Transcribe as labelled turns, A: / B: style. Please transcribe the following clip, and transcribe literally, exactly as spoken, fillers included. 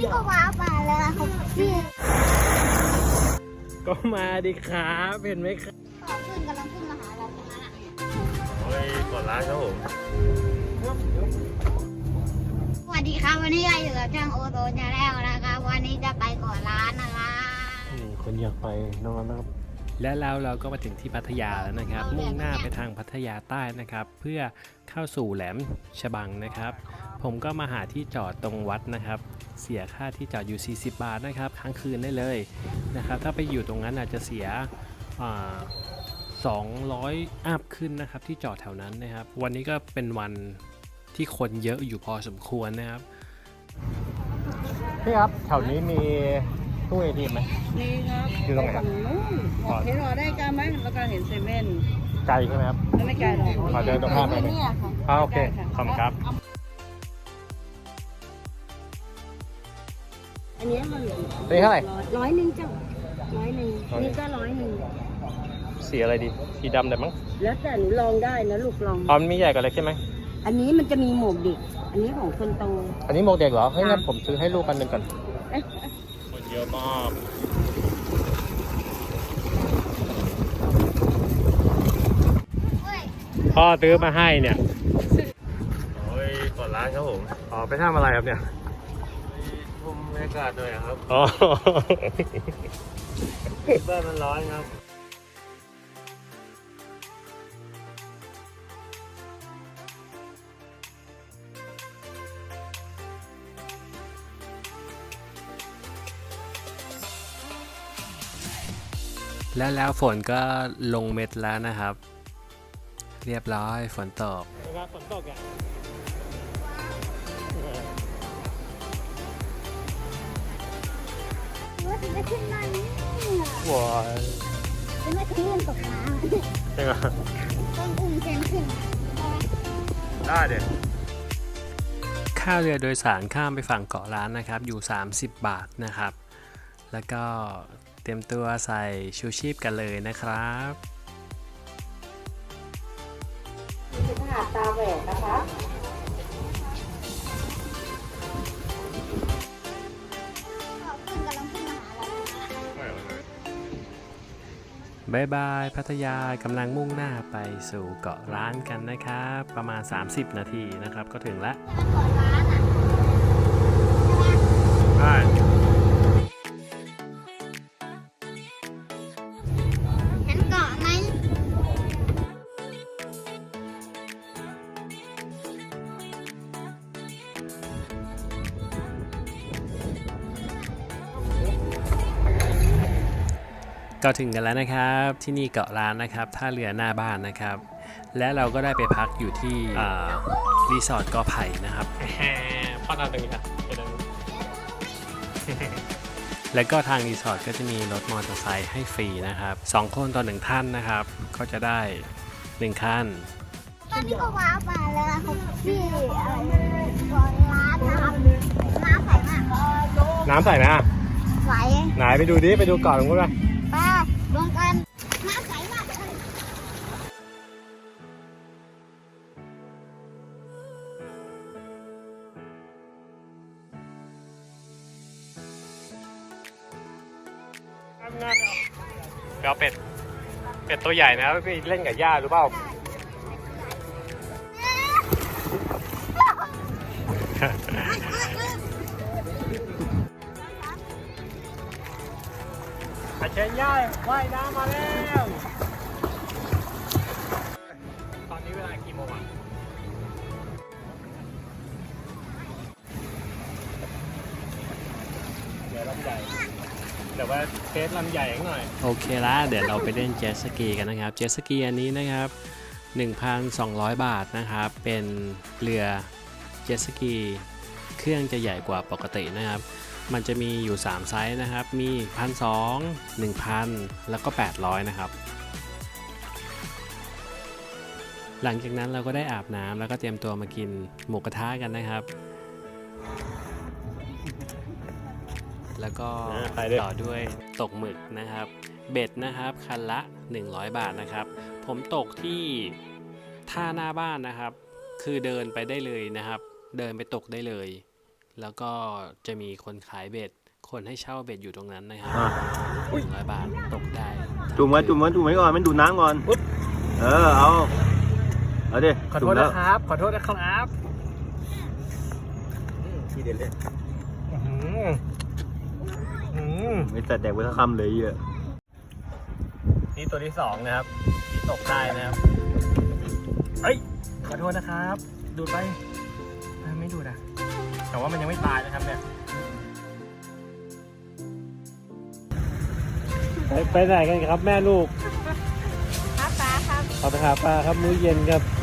A: นี่ก็ว้ามาแล้วครับพี่
B: ก็มาดิครับเห็นไหมครับ
A: ขอขึ้นกำลังขึ้นมาหาเราตรงนั้นอ่ะ
B: โอ้ยกดร้านครับผม
A: สวัสดีครับวันนี้เราอยู่กับช่างโอโตชาแนลนะครับวันนี้จะไปก่อนร้านนะครับ
B: นี่คนอยากไปนอนนะครับและแล้วเราก็มาถึงที่พัทยาแล้วนะครับมุ่งหน้าไปทางพัทยาใต้นะครับเพื่อเข้าสู่แหลมฉบังนะครับผมก็มาหาที่จอดตรงวัดนะครับเสียค่าที่จอดอยู่สี่สิบบาทนะครับค้างคืนได้เลยนะครับถ้าไปอยู่ตรงนั้นอาจจะเสียสองร้อยอัพขึ้นนะครับที่จอดแถวนั้นนะครับวันนี้ก็เป็นวันที่คนเยอะอยู่พอสมควรนะครับพี่ครับแถวนี้มีตู้ เอ ที เอ็ม ไหม
C: มีครับ
B: อยู่ตรงไหนครับ
C: เห็นรอได้กันไหมแล้วก็เห็นเซเว่น
B: ไกลใช่ไหมครับ
C: ไม่ไกลหรอก
B: ขอเดินตรงข้ามไปไหมอ๋อโอเคขอบคุณครับ
C: อันนี้มัน
B: นี่เท่าไหร่
C: ร้อยหนึ่งจ้ะร้อยหนึ่งนี่ก็ร้อยหนึ่ง
B: สีอะไรดีสีดำได้มั้ง
C: แล้วแต่หนูลองได้นะลูกลอง
B: อ๋อมันมีใหญ่กว่าเล็กใช่ไหม
C: อันนี้มันจะมีหมวกเด็กอันนี้ของคนโต
B: อันนี้หมวกเด็กเหรอเฮ้ยงั้นผมซื้อให้ลูกกันหนึ่งก่อนคนเยอะมากพ่อซื้อมาให้เนี่ยโอ้ยกดร้านครับผมอ๋อไปทำอะไรครับเนี่ยชมบรรยากาศหน่อยครับอ๋อบ้านมันร้อนครับแล้วแล้วฝนก็ลงเม็ดแล้วนะครับเรียบร้อยฝนตกนะครับฝนตกอ่ะ
A: ว่าถึงจะขึ้นมาเนี่ย
B: ว้า
A: จะไม่ขึ้นตกน้ำ
B: จริงเหรอ
A: ต้องอุ้มเซนขึ้น
B: ได้เด็กค่าเรือโดยสารข้ามไปฝั่งเกาะล้านนะครับอยู่สามสิบบาทนะครับแล้วก็เตรียมตัวใส่ชูชีพกันเลยนะครับ
C: เป็นหาดตาแหวนนะคะ
A: ขึ้นกำลังขึ้นมาหาเราตรงนั้น
B: บายบายพัทยากำลังมุ่งหน้าไปสู่เกาะล้านกันนะครับประมาณสามสิบนาทีนะครับก็ถึงแล้ว
A: เกาะร้านอ่ะ
B: ใช่
A: เห็นเกาะไหม
B: ก็ถึงกันแล้วนะครับที่นี่เกาะล้านนะครับท่าเรือหน้าบ้านนะครับและเราก็ได้ไปพักอยู่ที่รีสอร์ทกอไผ่นะครับพ่อตาตรงนี้ค่ะแล้วก็ทางรีสอร์ทก็จะมีรถมอเตอร์ไซค์ให้ฟรีนะครับสองคนต่อหนึ่งท่านนะครับก็จะได้หนึ่งคัน
A: ตอนนี้ก็ว้ามาแล้วครับพี่อะไรก่อนร้านนะครับน้ำใสมาก
B: น้ำใสไหม
A: ใส
B: ไหนไปดูดิไปดูเกาะตรงนู้นไป
A: ไปลงกันน้ำใสมาก
B: เกาเป็ดเป็ดตัวใหญ่นะไปเล่นกับย่าหรือเปล่าอาเชนย่าว่ายน้ำมาแล้วตอนนี้เวลากี่โมงอ่ะเดี๋ยวลำใหญ่เดี๋ยวว่าเทสลำใหญ่หน่อยโอเคละเดี๋ยวเราไปเล่นเจ็ตสกีกันนะครับเจ็ตสกีอันนี้นะครับ หนึ่งพันสองร้อย บาทนะครับเป็นเรือเจ็ตสกีเครื่องจะใหญ่กว่าปกตินะครับมันจะมีอยู่สามไซส์นะครับมี หนึ่งพันสองร้อย หนึ่งพัน แล้วก็แปดร้อยนะครับหลังจากนั้นเราก็ได้อาบน้ำแล้วก็เตรียมตัวมากินหมูกระทะกันนะครับแล้วก็ต่อด้วยตกหมึกนะครับเบ็ดนะครับคันละหนึ่งร้อยบาทนะครับผมตกที่ท่าหน้าบ้านนะครับคือเดินไปได้เลยนะครับเดินไปตกได้เลยแล้วก็จะมีคนขายเบ็ดคนให้เช่าเบ็ดอยู่ตรงนั้นนะครับ
D: อ่ะ
B: หนึ่งร้อยบาทตกได้
D: จุ่มไว้จุ่มไว้จุ่มไว้ก่อนมันดูดน้ำก่อนเออเอาเอาดิ
B: ขอโทษนะครับ ขอโทษนะครับ
D: ทีเด็ดเลย
B: อื้อหืออื้อหือ
D: ไม่แต่แดกไว้ทั้งคำเลยเยอะ
B: นี่ตัวที่สองนะครับที่ตกได้นะครับเอ้ยขอโทษนะครับ ดูดไปเอ้ยไม่ดูดอ่ะแต่ว่ามันยังไม่ตายนะครับเนี่ยไปไปไหนกันครับแม่ลูก
A: หาปลาครับ
B: เอาไปหาปลาครับมื้อเย็นครับ